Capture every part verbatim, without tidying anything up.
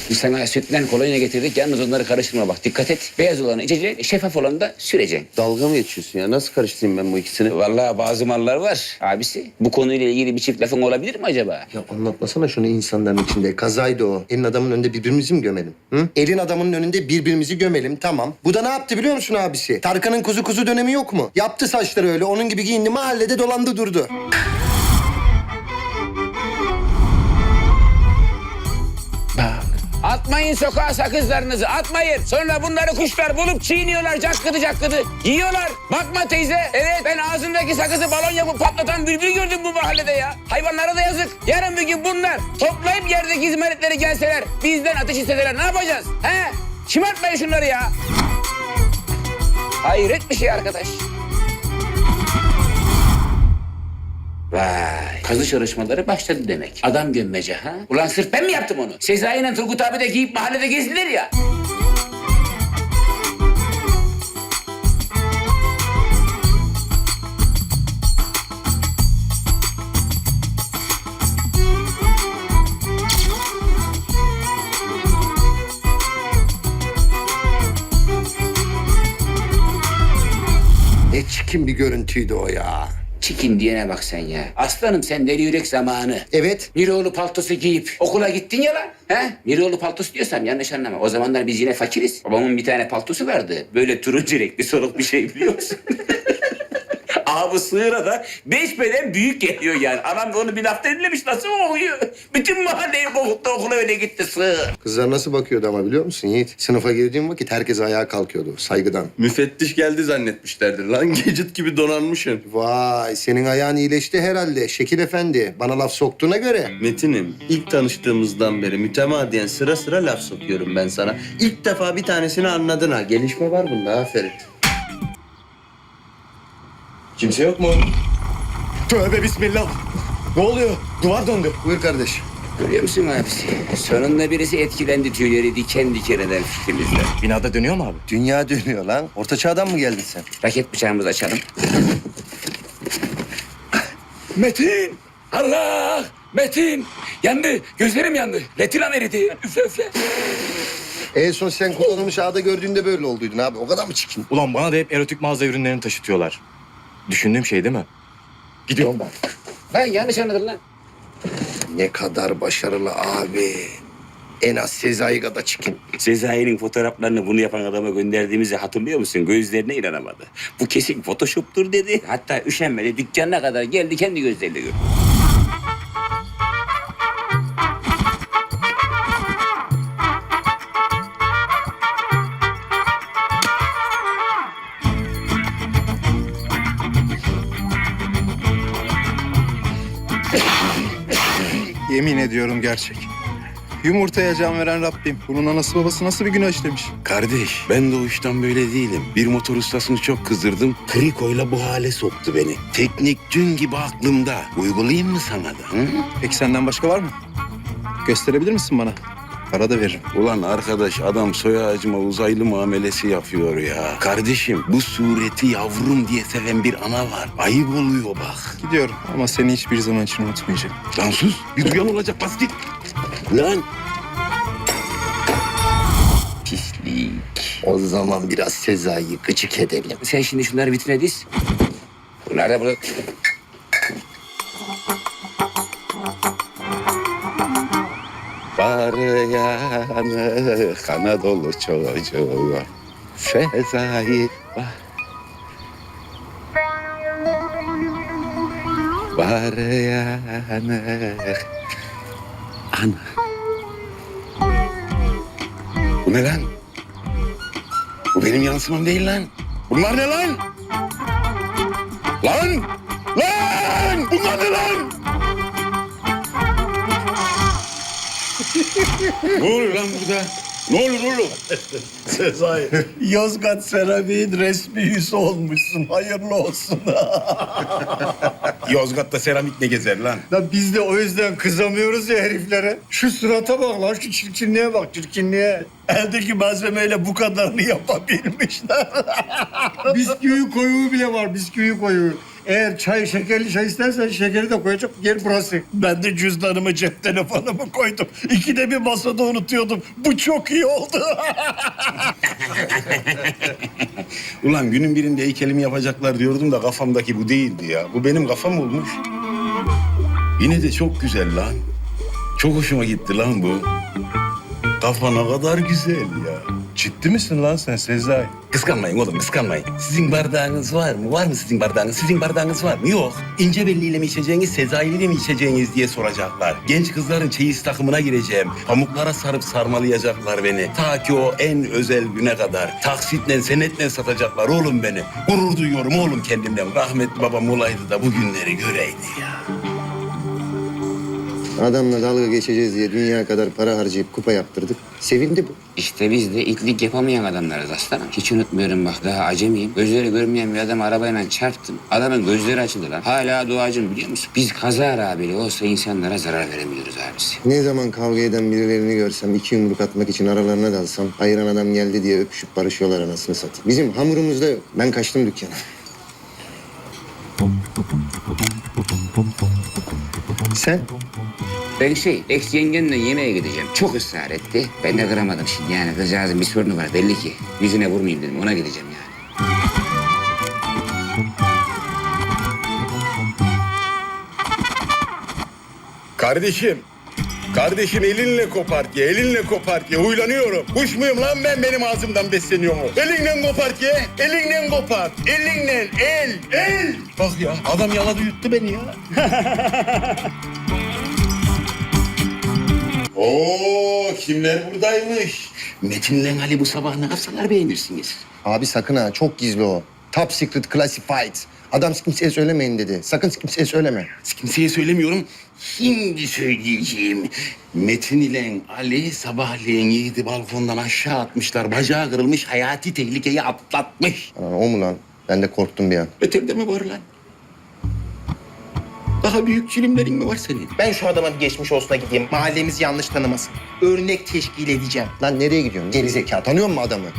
Biz sana sütten kolonya getirdik. Yalnız onları karıştırma bak. Dikkat et. Beyaz olanı içeceksin, şeffaf olanı da süreceksin. Dalga mı geçiyorsun ya? Nasıl karıştırayım ben bu ikisini? Vallahi bazı mallar var abisi. Bu konuyla ilgili bir çift lafın olabilir mi acaba? Ya anlatmasana şunu insanların içinde. Kazaydı o. Elin adamın önünde birbirimizi mi gömelim? Hı? Elin adamının önünde birbirimizi gömelim, tamam. Bu da ne yaptı biliyor musun abisi? Tarkan'ın kuzu kuzu dönemi yok mu? Yaptı saçları öyle. Onun gibi giyindi, mahallede dolandı durdu. Bak. Atmayın sokağa sakızlarınızı, atmayın. Sonra bunları kuşlar bulup çiğniyorlar, cakkıdı cakkıdı. Yiyorlar. Bakma teyze, evet ben ağzındaki sakızı balon yapıp patlatan bülbül gördüm bu mahallede ya. Hayvanlara da yazık. Yarın bir gün bunlar toplayıp yerdeki izmaritleri gelseler, bizden ateş isteseler ne yapacağız? He? Şımartmayın şunları ya. Hayret bir şey arkadaş. Vay, kazı çalışmaları başladı demek. Adam gömmece ha? Ulan sırf ben mi yaptım onu? Sezai ile Turgut abi de giyip mahallede gezdiler ya. Ne çirkin bir görüntüydü o ya. Çikin diyene bak sen ya. Aslanım sen deli yürek zamanı. Evet. Miroğlu paltosu giyip okula gittin ya lan. He? Miroğlu paltosu diyorsam yanlış anlama. O zamanlar biz yine fakiriz. Babamın bir tane paltosu vardı. Böyle turuncu renkli soluk bir şey biliyor musun? Abi sığıra da beş beden büyük geliyor yani. Anam da onu bir lafta dinlemiş nasıl oluyor? Bütün mahalleyi kovukta okula öyle gitti sığır. Kızlar nasıl bakıyordu ama biliyor musun Yiğit? Sınıfa girdiğim vakit herkes ayağa kalkıyordu saygıdan. Müfettiş geldi zannetmişlerdir lan. Gecit gibi donanmışsın. Vay, senin ayağın iyileşti herhalde Şekil Efendi. Bana laf soktuğuna göre. Metin'im, ilk tanıştığımızdan beri mütemadiyen sıra sıra laf sokuyorum ben sana. İlk defa bir tanesini anladın ha. Gelişme var bunda, aferin. Kimse yok mu? Tövbe bismillah. Ne oluyor? Duvar döndü. Buyur kardeş. Görüyor musun abisi? Sonunda birisi etkilendi tüyleri diken diken eden fikrimizle. Binada dönüyor mu abi? Dünya dönüyor lan. Orta çağdan mı geldin sen? Raket bıçağımızı açalım. Metin! Allah! Metin! Yandı. Gözlerim yandı. Retinam eridi. Üfle üfle. En son sen kullanılmış ağda gördüğünde böyle olduydun abi. O kadar mı çirkin? Ulan bana da hep erotik mağaza ürünlerini taşıtıyorlar. Düşündüğüm şey değil mi? Gidiyorum ben. Lan yanlış anladın lan. Ne kadar başarılı abi. En az Sezai kadar çirkin. Sezai'nin fotoğraflarını bunu yapan adama gönderdiğimizi hatırlıyor musun? Gözlerine inanamadı. Bu kesin photoshop'tur dedi. Hatta üşenmedi. Dükkanına kadar geldi kendi gözleriyle gördü. Yemin ediyorum gerçek. Yumurtaya can veren Rabbim. Bunun anası babası nasıl bir günah işlemiş? Kardeş, ben doğuştan böyle değilim. Bir motor ustasını çok kızdırdım. Krikoyla bu hale soktu beni. Teknik dün gibi aklımda. Uygulayayım mı sana da? Hı? Peki senden başka var mı? Gösterebilir misin bana? Para da veririm. Ulan arkadaş, adam soy ağacıma uzaylı muamelesi yapıyor ya. Kardeşim, bu sureti yavrum diye seven bir ana var. Ayıp oluyor bak. Gidiyorum ama seni hiçbir zaman için unutmayacağım. Lan sus, bir duyan olacak, bas git. Lan. Pislik. O zaman biraz Sezai'yi gıcık edelim. Sen şimdi şunları vitrine diz. Bunlar da burada. Var yanı Anadolu çocuğu. Sezai var. Var yanı. Ana. Bu ne lan? Bu benim yansımam değil lan. Bunlar ne lan? Lan! Lan! Bunlar ne lan? Ne oluyor lan burada? Ne olur oğlum? Sezai, Yozgat Seramik'in resmi yüzü olmuşsun. Hayırlı olsun. Yozgat'ta seramik ne gezer lan? Ya biz de o yüzden kızamıyoruz ya heriflere. Şu surata bak lan, şu çirkinliğe bak, çirkinliğe. Eldeki malzemeyle bu kadarını yapabilmişler. Bisküvi koyuğu bile var, bisküvi koyuğu. Eğer çay, şekerli çay istersen şekeri de koyacak yer burası. Ben de cüzdanımı, cep telefonumu koydum. İkide bir masada unutuyordum. Bu çok iyi oldu. Ulan günün birinde heykelimi yapacaklar diyordum da kafamdaki bu değildi ya. Bu benim kafam olmuş. Yine de çok güzel lan. Çok hoşuma gitti lan bu. Kafa ne kadar güzel ya. Ciddi misin lan sen Sezai? Kıskanmayın oğlum, kıskanmayın. Sizin bardağınız var mı? Var mı sizin bardağınız? Sizin bardağınız var mı? Yok. İnce belliyle mi içeceğiniz, Sezai'yle mi içeceğiniz diye soracaklar. Genç kızların çeyiz takımına gireceğim. Pamuklara sarıp sarmalayacaklar beni. Ta ki o en özel güne kadar. Taksitle, senetle satacaklar oğlum beni. Gurur duyuyorum oğlum kendimden. Rahmetli babam olaydı da bu günleri göreydi ya. Adamla dalga geçeceğiz diye dünya kadar para harcayıp kupa yaptırdık. Sevindi bu. İşte biz de itlik yapamayan adamlarız aslanım. Hiç unutmuyorum bak, daha acemiyim. Gözleri görmeyen bir adam arabayla çarptım. Adamın gözleri açıldı lan. Hala duacım biliyor musun? Biz kazara bile olsa insanlara zarar veremiyoruz abisi. Ne zaman kavga eden birilerini görsem, iki yumruk atmak için aralarına dalsam, ayıran adam geldi diye öpüşüp barışıyorlar anasını satayım. Bizim hamurumuzda yok. Ben kaçtım dükkana. Sen? Ben şey, ex yengenle yemeğe gideceğim. Çok ısrar etti. Ben de kıramadım şimdi. Yani kızcağızın bir sorunu var belli ki. Yüzüne vurmayayım dedim. Ona gideceğim yani. Kardeşim, kardeşim elinle kopart ye, elinle kopart ye. Huylanıyorum. Kuş muyum lan ben, benim ağzımdan besleniyor mu? Elinle kopart ye, elinle kopart. Elinle, el, el. Bak ya, adam yaladı yuttu beni ya. Oo, kimler buradaymış? Metin'le Ali bu sabah ne yapsalar beğenirsiniz. Abi sakın ha, çok gizli o. Top secret classified. Adam kimseye söylemeyin dedi. Sakın kimseye söyleme. Kimseye söylemiyorum. Şimdi söyleyeceğim. Metin ile Ali sabahleyin Yiğit'i balkondan aşağı atmışlar. Bacağı kırılmış, hayati tehlikeyi atlatmış. Aa, o mu lan? Ben de korktum bir an. Öterde mi var lan? Daha büyük çilimlerin mi var senin? Ben şu adama bir geçmiş olsuna gideyim. Mahallemizi yanlış tanımasın. Örnek teşkil edeceğim. Lan nereye gidiyorsun? Geri zeka. Tanıyor musun adamı?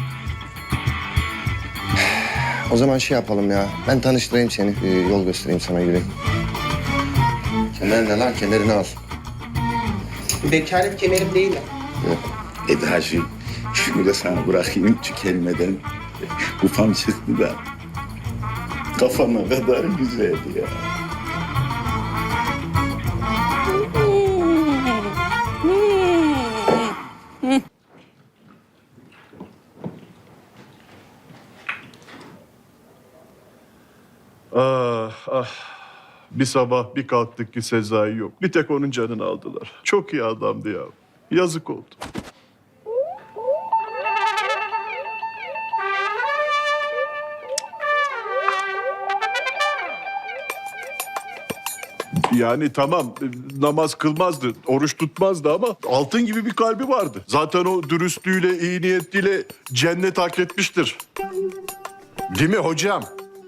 O zaman şey yapalım ya. Ben tanıştırayım seni. Ee, yol göstereyim sana, yürü. Kemer ne lan? Kemerini al. Vekalet kemerim değil mi? Eda'cığım, şunu da sana bırakayım tükenmeden. Ufam çıktı da kafama kadar güzeldi ya. Ah ah. Bir sabah bir kalktık ki Sezai yok. Bir tek onun canını aldılar. Çok iyi adamdı ya. Yazık oldu. Yani tamam namaz kılmazdı, oruç tutmazdı ama altın gibi bir kalbi vardı. Zaten o dürüstlüğüyle, iyi niyetiyle cennet hak etmiştir. Değil mi hocam?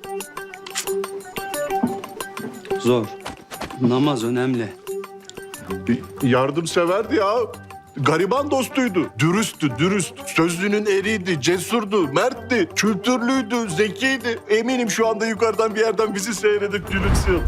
Zor. Namaz önemli. Yardımseverdi ya. Gariban dostuydu. Dürüsttü, dürüst. Sözlünün eriydi, cesurdu, mertti, kültürlüydü, zekiydi. Eminim şu anda yukarıdan bir yerden bizi seyredip gülümsüyor.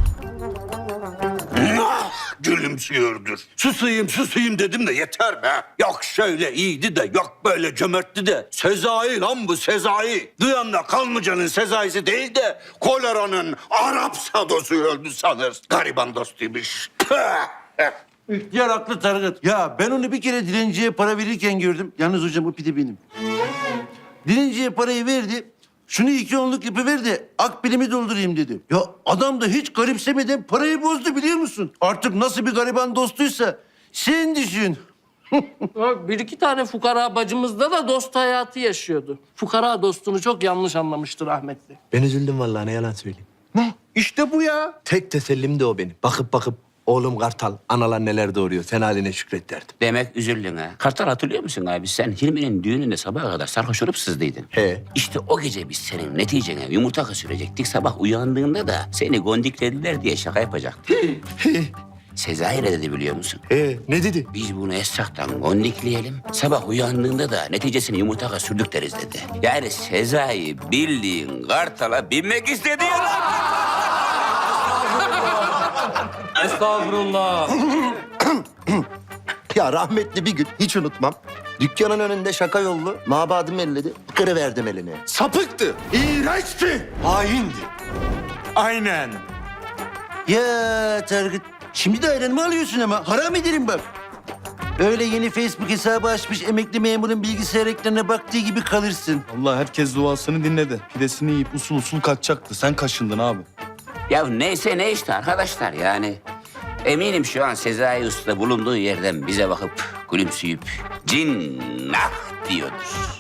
Gülümsüyordur. Susayım susayım dedim de yeter be. Yok şöyle iyiydi de yok böyle cömertti de. Sezai lan bu Sezai. Duyan da Kanlıca'nın Sezai'si değil de koleranın Arap sadosu öldü sanır. Gariban dostuymuş. İhtiyar haklı Tarık. Ya ben onu bir kere dilenciye para verirken gördüm. Yalnız hocam o pide benim. Dilenciye parayı verdi. Şunu iki onluk yapıver de akbilimi doldurayım dedi. Ya adam da hiç garipsemeden parayı bozdu biliyor musun? Artık nasıl bir gariban dostuysa sen düşün. Bak, bir iki tane fukara bacımızda da dost hayatı yaşıyordu. Fukara dostunu çok yanlış anlamıştır rahmetli. Ben üzüldüm vallahi, ne yalan söyleyeyim. Ne? İşte bu ya. Tek tesellim de o benim. Bakıp bakıp oğlum Kartal analar neler doğuruyor. Sen haline şükret derdim. Demek üzüldün ha. Kartal hatırlıyor musun abi? Sen Hilmi'nin düğününde sabaha kadar sarhoş olup sızdıydın. He. İşte o gece biz senin neticene yumurta sürecektik. Sabah uyandığında da seni gondiklediler diye şaka yapacaktık. Sezai ne dedi biliyor musun? He, ne dedi? Biz bunu Esra'dan gondikleyelim. Sabah uyandığında da neticesini yumurtaka sürdük deriz dedi. Yani Sezai bildiğin Kartal'a binmek istedi ya lan. Estağfurullah. Ya rahmetli bir gün hiç unutmam. Dükkanın önünde şaka yollu mabadım elledi. Kırıverdim elini. Sapıktı. İğrençti. Haindi. Aynen. Ya Tarık, şimdi de ayranımı alıyorsun ama haram ederim bak. Öyle yeni Facebook hesabı açmış emekli memurun bilgisayar ekranına baktığı gibi kalırsın. Allah herkes duasını dinledi. Pidesini yiyip usul usul kaçacaktı. Sen kaşındın abi. Ya neyse ne işte arkadaşlar yani. Eminim şu an Sezai Usta bulunduğu yerden bize bakıp gülümseyip cinnah diyordur.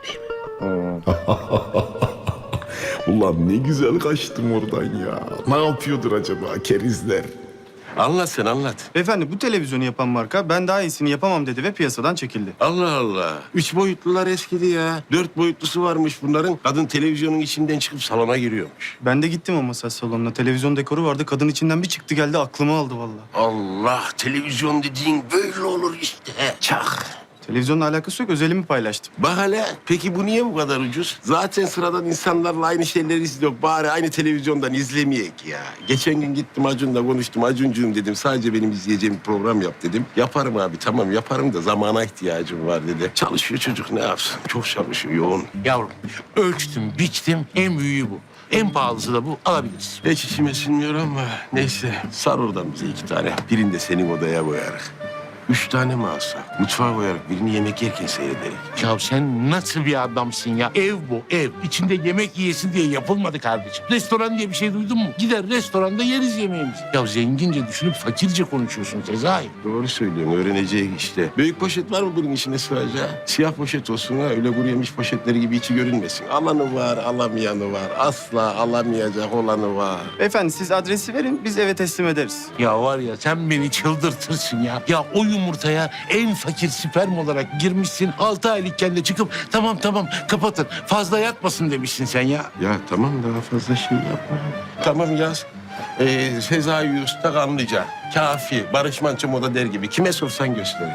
Ulan ne güzel kaçtım oradan ya. Ne yapıyordur acaba kerizler? Anlat sen anlat. Beyefendi bu televizyonu yapan marka ben daha iyisini yapamam dedi ve piyasadan çekildi. Allah Allah. Üç boyutlular eskidi ya. Dört boyutlusu varmış bunların. Kadın televizyonun içinden çıkıp salona giriyormuş. Ben de gittim o masaj salonuna. Televizyon dekoru vardı. Kadın içinden bir çıktı geldi aklımı aldı vallahi. Allah, televizyon dediğin böyle olur işte. Çak. Televizyonla alakası yok. Özelimi paylaştım. Bak hele, peki bu niye bu kadar ucuz? Zaten sıradan insanlarla aynı şeyleri izliyor. Bari aynı televizyondan izlemeyek ya. Geçen gün gittim Acun'la konuştum. Acuncuğum dedim, sadece benim izleyeceğim bir program yap dedim. Yaparım abi, tamam yaparım da zamana ihtiyacım var dedi. Çalışıyor çocuk, ne yapsın? Çok çalışıyor, yoğun. Yavrum ölçtüm, biçtim. En büyüğü bu. En pahalısı da bu. Alabilirsin. Hiç içime sinmiyor ama neyse. Sar oradan bize iki tane. Birini de senin odaya koyarız. Üç tane mi alsak? Mutfağa koyarak birini yemek yerken seyrederek. Ya sen nasıl bir adamsın ya? Ev bu, ev. İçinde yemek yiyesin diye yapılmadı kardeşim. Restoran diye bir şey duydun mu? Gider restoranda yeriz yemeğimizi. Ya zengince düşünüp fakirce konuşuyorsun Sezai. Doğru söylüyorsun, öğreneceğiz işte. Büyük poşet var mı bunun içine sığacağı? Siyah poşet olsun ha, öyle kuru yemiş poşetleri gibi içi görünmesin. Alanı var, alamayanı var. Asla alamayacak olanı var. Beyefendi siz adresi verin biz eve teslim ederiz. Ya var ya sen beni çıldırtırsın ya. Ya o yumurtaya en fakir sperm olarak girmişsin. Altı aylıkken de çıkıp tamam tamam kapatın. Fazla yatmasın demişsin sen ya. Ya tamam, daha fazla şey yapma. Tamam yaz. Ee, Sezai Usta Kanlıca. Kafi. Barış Manço Moda der gibi. Kime sorsan gösterir.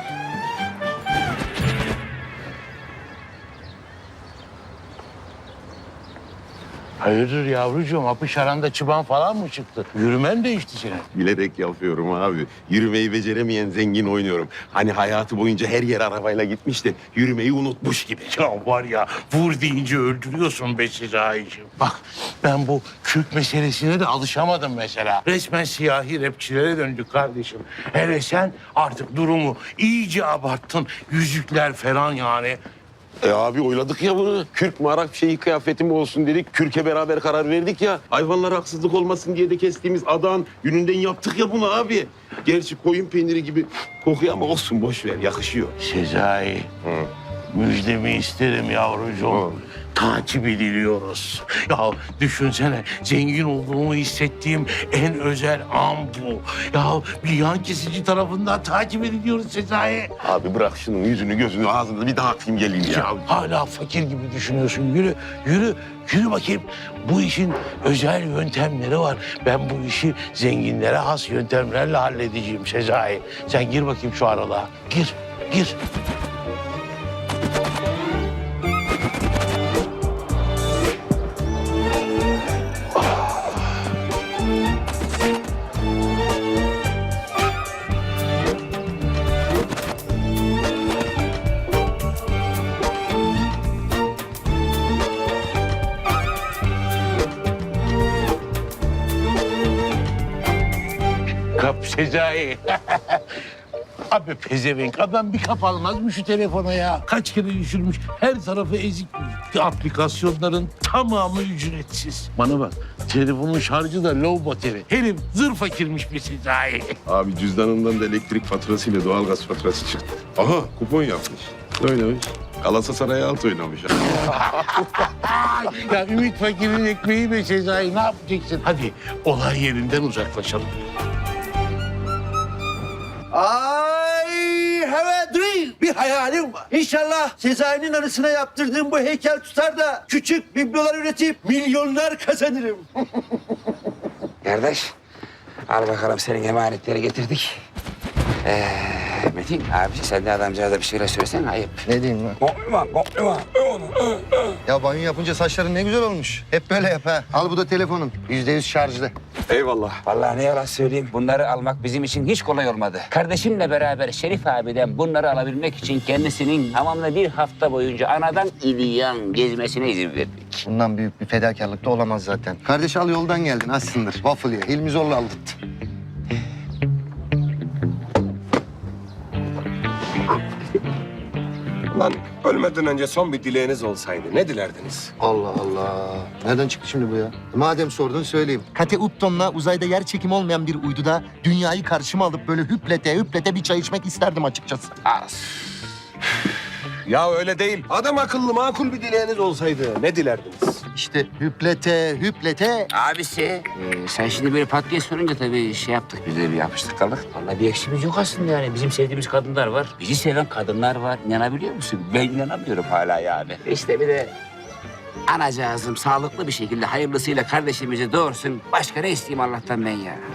Hayırdır yavrucuğum? Apış aranda çıban falan mı çıktı? Yürümen değişti senin. Bilerek yapıyorum abi. Yürümeyi beceremeyen zengin oynuyorum. Hani hayatı boyunca her yer arabayla gitmiş de yürümeyi unutmuş gibi. Ya var ya vur deyince öldürüyorsun be Sezai'ciğim. Bak ben bu Kürt meselesine de alışamadım mesela. Resmen siyahi rapçilere döndük kardeşim. Hele sen artık durumu iyice abarttın. Yüzükler falan yani. E abi oyladık ya bunu. Kürk mü Arap şeyi kıyafetim olsun dedik. Kürk'e beraber karar verdik ya. Hayvanlara haksızlık olmasın diye de kestiğimiz adağın yününden yaptık ya bunu abi. Gerçi koyun peyniri gibi kokuyor ama olsun boş ver yakışıyor. Sezai, müjdemi isterim yavrucuğum. Takip ediliyoruz. Ya düşünsene zengin olduğumu hissettiğim en özel an bu. Ya bir yan kesici tarafından takip ediliyoruz Sezai. Abi bırak şunun yüzünü gözünü ağzını bir dağıtayım geleyim ya. Ya hala fakir gibi düşünüyorsun. Yürü, yürü, yürü bakayım. Bu işin özel yöntemleri var. Ben bu işi zenginlere has yöntemlerle halledeceğim Sezai. Sen gir bakayım şu aralığa. Gir, gir. Kap Sezai. Abi pezevenk adam bir kap almaz mı şu telefona ya? Kaç kere düşürmüş, her tarafı ezik. Aplikasyonların tamamı ücretsiz. Bana bak, telefonun şarjı da low battery. Herif zır fakirmiş bir Sezai. Abi cüzdanından da elektrik faturasıyla doğalgaz faturası çıktı. Aha kupon yapmış. Oynamış. Galatasaray'a alt oynamış. Ya Ümit Fakir'in ekmeği be Sezai, ne yapacaksın? Hadi olay yerinden uzaklaşalım. Ay evet değil. Bir hayalim var. İnşallah Sezai'nin arasına yaptırdığım bu heykel tutar da küçük biblolar üretip milyonlar kazanırım. Kardeş al bakalım senin emanetleri getirdik. Ee, Metin abi sen de adamcağıza bir şeyler söylesene ayıp. Ne diyeyim lan? Kokluma kokluma. Ya banyo yapınca saçların ne güzel olmuş. Hep böyle yap ha. Al bu da telefonun. Yüzde yüz şarjlı. Eyvallah. Vallahi ne yalan söyleyeyim. Bunları almak bizim için hiç kolay olmadı. Kardeşimle beraber Şerif abiden bunları alabilmek için kendisinin tamamla bir hafta boyunca anadan İlyan gezmesine izin verdik. Bundan büyük bir fedakarlık da olamaz zaten. Kardeş al yoldan geldin açsındır. Waffle ye. Hilmi zorla aldırttı. Lan ölmeden önce son bir dileğiniz olsaydı ne dilerdiniz? Allah Allah. Nereden çıktı şimdi bu ya? Madem sordun söyleyeyim. Kate Upton'la uzayda yer çekimi olmayan bir uyduda dünyayı karşıma alıp böyle hüplete hüplete bir çay içmek isterdim açıkçası. Az. Ya öyle değil. Adam akıllı makul bir dileğiniz olsaydı ne dilerdiniz? İşte hüplete hüplete. Abisi, e, sen şimdi böyle pat diye sorunca tabii şey yaptık, biz de bir yapıştık kaldık. Vallahi bir eksimiz yok aslında yani. Bizim sevdiğimiz kadınlar var, bizi seven kadınlar var. İnanabiliyor musun? Ben inanamıyorum hala yani. İşte bir de anacığızım sağlıklı bir şekilde hayırlısıyla kardeşimizi doğursun. Başka ne isteyeyim Allah'tan ben ya?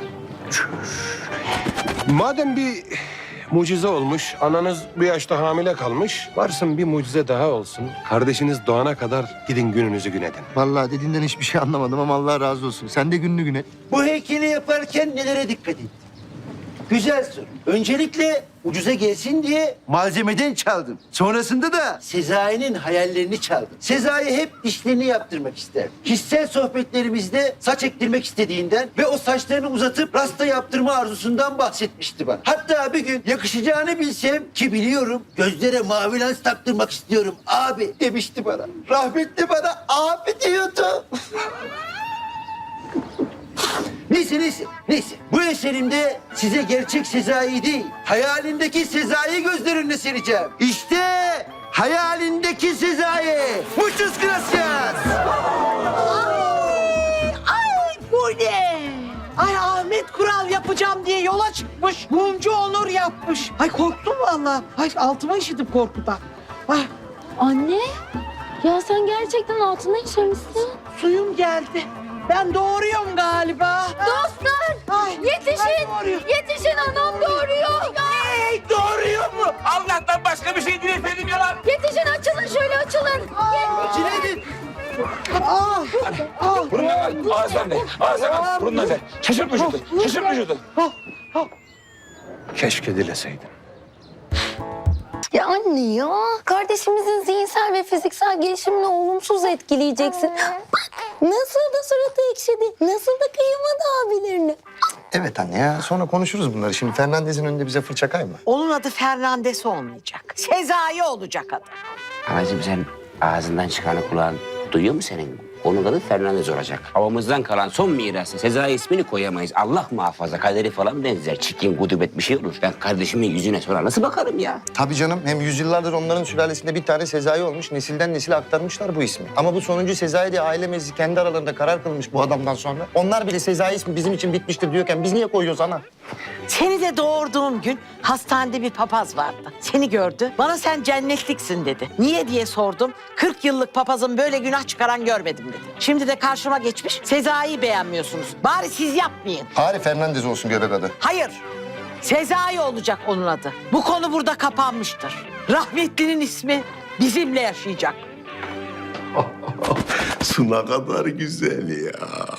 Madem bir mucize olmuş, ananız bir yaşta hamile kalmış, varsın bir mucize daha olsun. Kardeşiniz doğana kadar gidin gününüzü gün edin. Vallahi dediğinden hiçbir şey anlamadım ama Allah razı olsun. Sen de gününü gün et. Bu heykeli yaparken nelere dikkat ettin? Güzel soru. Öncelikle ucuza gelsin diye malzemeden çaldım. Sonrasında da Sezai'nin hayallerini çaldım. Sezai hep dişlerini yaptırmak ister. Kişisel sohbetlerimizde saç ektirmek istediğinden ve o saçlarını uzatıp rasta yaptırma arzusundan bahsetmişti bana. Hatta bir gün yakışacağını bilsem ki biliyorum gözlere mavi lens taktırmak istiyorum abi demişti bana. Rahmetli bana abi diyordu. Neyse neyse neyse. Bu eserimde size gerçek Sezai değil, hayalindeki Sezai gözler önüne sereceğim. İşte hayalindeki Sezai. Muchas gracias. Ay bu ne? Ay Ahmet Kural yapacağım diye yola çıkmış. Mumcu Onur yapmış. Ay korktum vallahi. Ay altıma işittim korkudan. Ay Anne, ya sen gerçekten altına işemişsin. suyum geldi. Ben doğuruyorum galiba. Dostlar, Ay, yetişin, ay doğuruyor. yetişin anam doğuruyor. Hey, doğuruyor mu? Allah'tan başka bir şey dilemedim ya lan. Yetişin açılın şöyle açılın. Cineydin. Ah, ah. Burundan al, ağızdan de, ağızdan al, burundan de. Şaşırt vücudu, şaşırt vücudu. Keşke dileseydin. Ya anne ya, kardeşimizin zihinsel ve fiziksel gelişimini olumsuz etkileyeceksin. Bak nasıl da suratı ekşidi, nasıl da kıyamadı abilerini. Evet anne ya. Sonra konuşuruz bunları. Şimdi Fernandez'in önünde bize fırça kayma. Onun adı Fernandes olmayacak. Sezai olacak adı. Anacığım sen ağzından çıkanı kulağın duyuyor mu senin? Onun adı Fernandez olacak. Havamızdan kalan son mirası Sezai ismini koyamayız. Allah muhafaza kaderi falan benzer. Çirkin gudubet bir şey olur. Ben kardeşimin yüzüne sonra nasıl bakarım ya? Tabii canım. Hem yüzyıllardır onların sülalesinde bir tane Sezai olmuş. Nesilden nesile aktarmışlar bu ismi. Ama bu sonuncu Sezai diye aile meclisi kendi aralarında karar kılmış bu adamdan sonra. Onlar bile Sezai ismi bizim için bitmiştir diyorken biz niye koyuyoruz ana? Seni de doğurduğum gün hastanede bir papaz vardı. Seni gördü. Bana sen cennetliksin dedi. Niye diye sordum. kırk yıllık papazın böyle günah çıkaran görmedim dedi. Şimdi de karşıma geçmiş. Sezai'yi beğenmiyorsunuz. Bari siz yapmayın. Bari Fernandez olsun göbek adı. Hayır. Sezai olacak onun adı. Bu konu burada kapanmıştır. Rahmetlinin ismi bizimle yaşayacak. Su ne kadar güzel ya.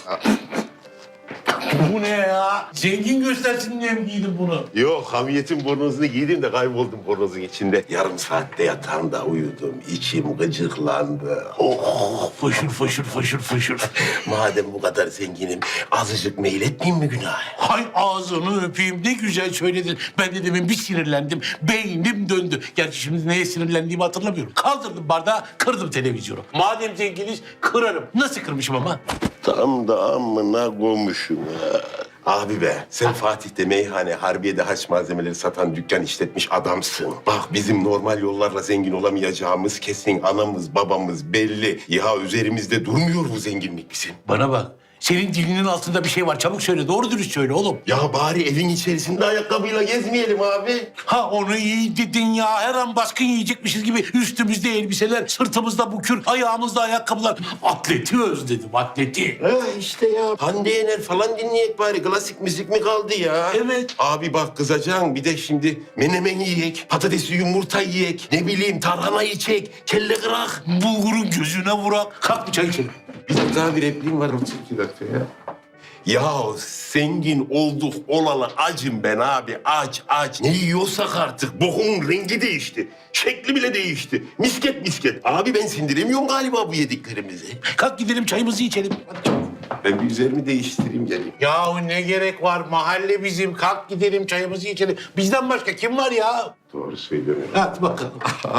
Bu ne ya? Zengin göstersin diye mi giydin bunu? Yok, hamiyetin bornozunu giydim de kayboldum bornozun içinde. Yarım saatte yatağımda uyudum. İçim gıcıklandı. Oh, fışır fışır fışır fışır. Madem bu kadar zenginim, azıcık meyletmeyeyim mi günah? Hay ağzını öpeyim ne güzel söyledin. Ben de demin bir sinirlendim. Beynim döndü. Gerçi şimdi neye sinirlendiğimi hatırlamıyorum. Kaldırdım bardağı, kırdım televizyonu. Madem zenginiz kırarım. Nasıl kırmışım ama? Tam da amına koymuşum ya. Abi be, sen Fatih'te meyhane, Harbiye'de haç malzemeleri satan dükkan işletmiş adamsın. Bak bizim normal yollarla zengin olamayacağımız kesin, anamız babamız belli. Ya üzerimizde durmuyor bu zenginlik bizim. Bana bak. Senin dilinin altında bir şey var. Çabuk söyle. Doğru dürüst söyle oğlum. Ya bari evin içerisinde ayakkabıyla gezmeyelim abi. Ha onu iyi dedin ya. Her an baskın yiyecekmişiz gibi üstümüzde elbiseler, sırtımızda bukür, ayağımızda ayakkabılar. Atleti özledim, atleti. Ha işte ya. Hande Yener falan dinleyek bari. Klasik müzik mi kaldı ya? Evet. Abi bak kızacaksın. Bir de şimdi menemen yiyek, patatesli yumurta yiyek, ne bileyim tarhana yiyecek, kelle kırak. Bulgurun gözüne vurak. Kalk bir çay içelim. Bir dakika bir repliğim var. Otur iki dakika ya. Ya zengin olduk olalı acım ben abi. Aç aç. Ne yiyorsak artık. Bokumun rengi değişti. Şekli bile değişti. Misket misket. Abi ben sindiremiyorum galiba bu yediklerimizi. Kalk gidelim çayımızı içelim. Ben bir üzerimi değiştireyim geleyim. Yahu ne gerek var? Mahalle bizim. Kalk gidelim çayımızı içelim. Bizden başka kim var ya? Doğru söylüyorum. Hadi bakalım.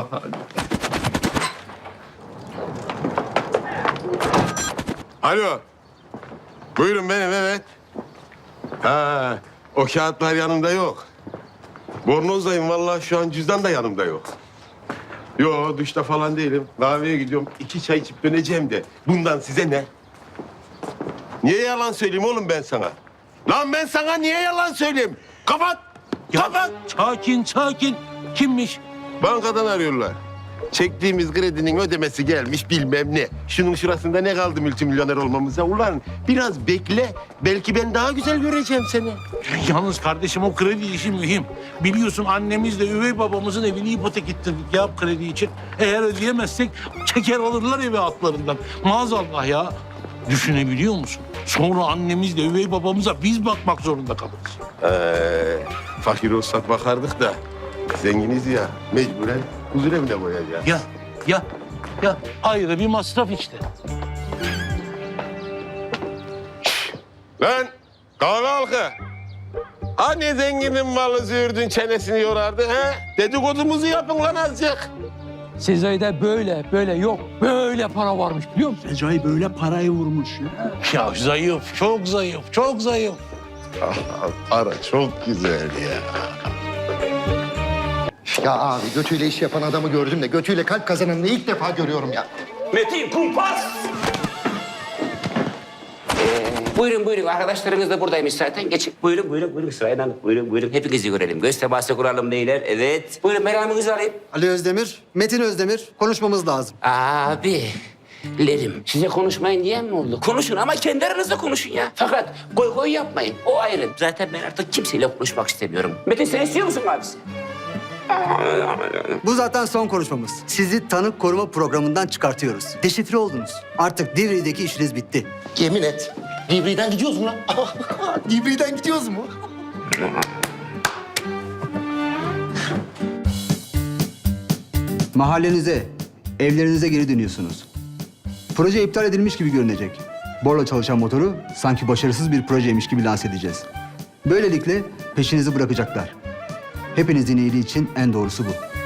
Alo. Buyurun benim, evet. Ha, o kağıtlar yanımda yok. Bornozdayım vallahi, şu an cüzdan da yanımda yok. Yo, duşta falan değilim. Kahveye gidiyorum. İki çay içip döneceğim de. Bundan size ne? Niye yalan söyleyeyim oğlum ben sana? Lan ben sana niye yalan söyleyeyim? Kapat! Kapat! Sakin sakin. Kimmiş? Bankadan arıyorlar. Çektiğimiz kredinin ödemesi gelmiş bilmem ne. Şunun şurasında ne kaldı multimilyoner olmamıza? Ulan biraz bekle. Belki ben daha güzel göreceğim seni. Yalnız kardeşim o kredi işi mühim. Biliyorsun annemizle üvey babamızın evini ipotek ettirdik ya kredi için. Eğer ödeyemezsek çeker alırlar evi altlarından. Maazallah ya. Düşünebiliyor musun? Sonra annemizle üvey babamıza biz bakmak zorunda kalırız. Ee, fakir olsak bakardık da zenginiz ya, mecburen huzur evine koyacağız. Ya, ya, ya ayrı bir masraf işte. Lan kahve halkı. Hani zenginin malı züğürdün çenesini yorardı ha? Dedikodumuzu yapın lan azıcık. Sezai'de böyle böyle yok. Böyle para varmış biliyor musun? Recai böyle parayı vurmuş ya. Ya zayıf, çok zayıf, çok zayıf. Para çok güzel ya. Ya abi götüyle iş yapan adamı gördüm de götüyle kalp kazananını ilk defa görüyorum ya. Metin kumpas. Ee, buyurun buyurun arkadaşlarınız da buradaymış zaten. Geçin. Buyurun buyurun buyurun sırayla. Buyurun buyurun hepinizi görelim. Göz teması kuralım beyler. Evet. Buyurun meramınızı alayım. Ali Özdemir, Metin Özdemir. Konuşmamız lazım. Abi. Lerim. Size konuşmayın diyen mi oldu? Konuşun ama kendi aranızda konuşun ya. Fakat koy koy yapmayın. O ayrı. Zaten ben artık kimseyle konuşmak istemiyorum. Metin sen istiyor musun abisi? Bu zaten son konuşmamız. Sizi tanık koruma programından çıkartıyoruz. Deşifre oldunuz. Artık Divri'deki işiniz bitti. Yemin et. Divri'den gidiyoruz mu lan? Divri'den gidiyoruz mu? Mahallenize, evlerinize geri dönüyorsunuz. Proje iptal edilmiş gibi görünecek. Borla çalışan motoru sanki başarısız bir projeymiş gibi lanse edeceğiz. Böylelikle peşinizi bırakacaklar. Hepinizin iyiliği için en doğrusu bu.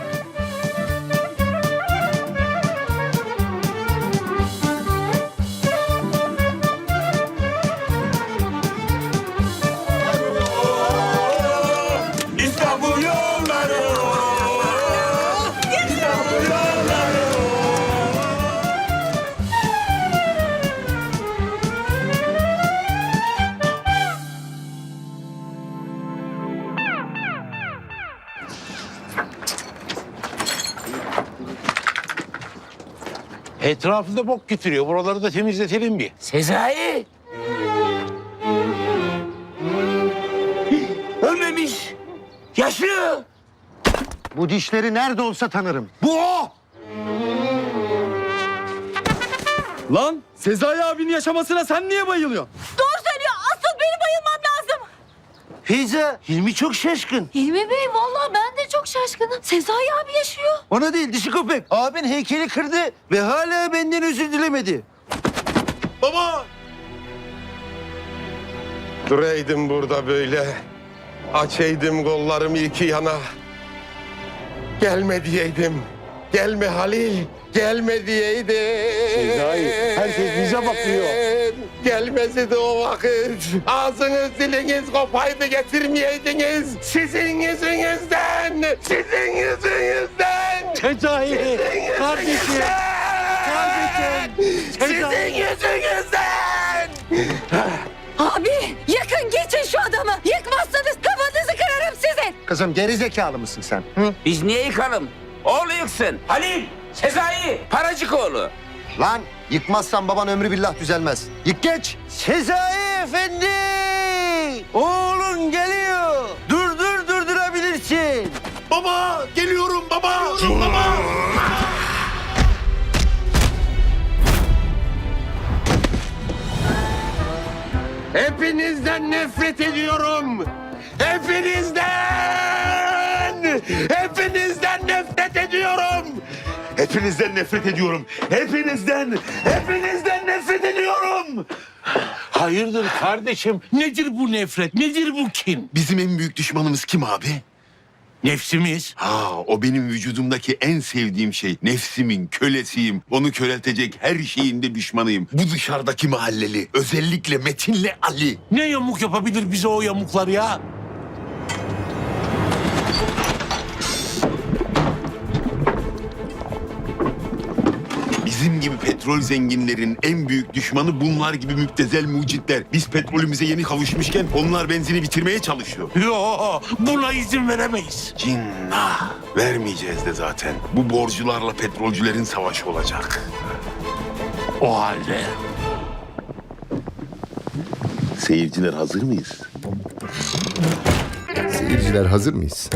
İstanbul yolları. İstanbul yolları. Etrafında bok getiriyor. Buraları da temizletelim bir. Sezai. Ölmemiş. Yaşıyor. Bu dişleri nerede olsa tanırım. Bu o. Lan Sezai abinin yaşamasına sen niye bayılıyorsun? Doğru söylüyor. Asıl benim bayılmam lazım. Feyza, Hilmi çok şaşkın. Hilmi Bey vallahi ben de çok şaşkınım. Sezai abi yaşıyor. Ona değil dişi köpek. Abin heykeli kırdı ve hala benden özür dilemedi. Baba! Duraydım burada böyle. Açaydım kollarımı iki yana. Gelme diyeydim. Gelme Halil. Gelme diyeydim. Sezai, herkes bize bakıyor. Gelmesi o vakit. Ağzınız diliniz kopaydı getirmeyeydiniz. Sizin yüzünüzden. Sizin yüzünüzden. Sezai. Kardeşim. Kardeşim. Sizin yüzünüzden. Abi yakın geçin şu adamı. Yıkmazsanız kafanızı kırarım sizin. Kızım geri zekalı mısın sen? Hı? Biz niye yıkalım? Oğlu yıksın. Halil, Sezai, Paracık oğlu. Lan yıkmazsan baban ömrü billah düzelmez. Yık geç. Sezai Efendi! Oğlun geliyor. Durdur durdurabilirsin. Baba geliyorum baba. Baba. Hep Hepinizden nefret ediyorum. Hepinizden! Hepinizden nefret ediyorum. Hepinizden nefret ediyorum. Hepinizden, hepinizden nefret ediyorum. Hayırdır kardeşim? Nedir bu nefret? Nedir bu kin? Bizim en büyük düşmanımız kim abi? Nefsimiz. Ha, o benim vücudumdaki en sevdiğim şey. Nefsimin kölesiyim. Onu köreltecek her şeyin de düşmanıyım. Bu dışarıdaki mahalleli. Özellikle Metin'le Ali. Ne yamuk yapabilir bize o yamuklar ya? Bizim gibi petrol zenginlerin en büyük düşmanı bunlar gibi müptezel mucitler. Biz petrolümüze yeni kavuşmuşken onlar benzini bitirmeye çalışıyor. Yo, buna izin veremeyiz. Cinnah. Vermeyeceğiz de zaten. Bu borcularla petrolcülerin savaşı olacak. O halde. Seyirciler hazır mıyız? Seyirciler hazır mıyız?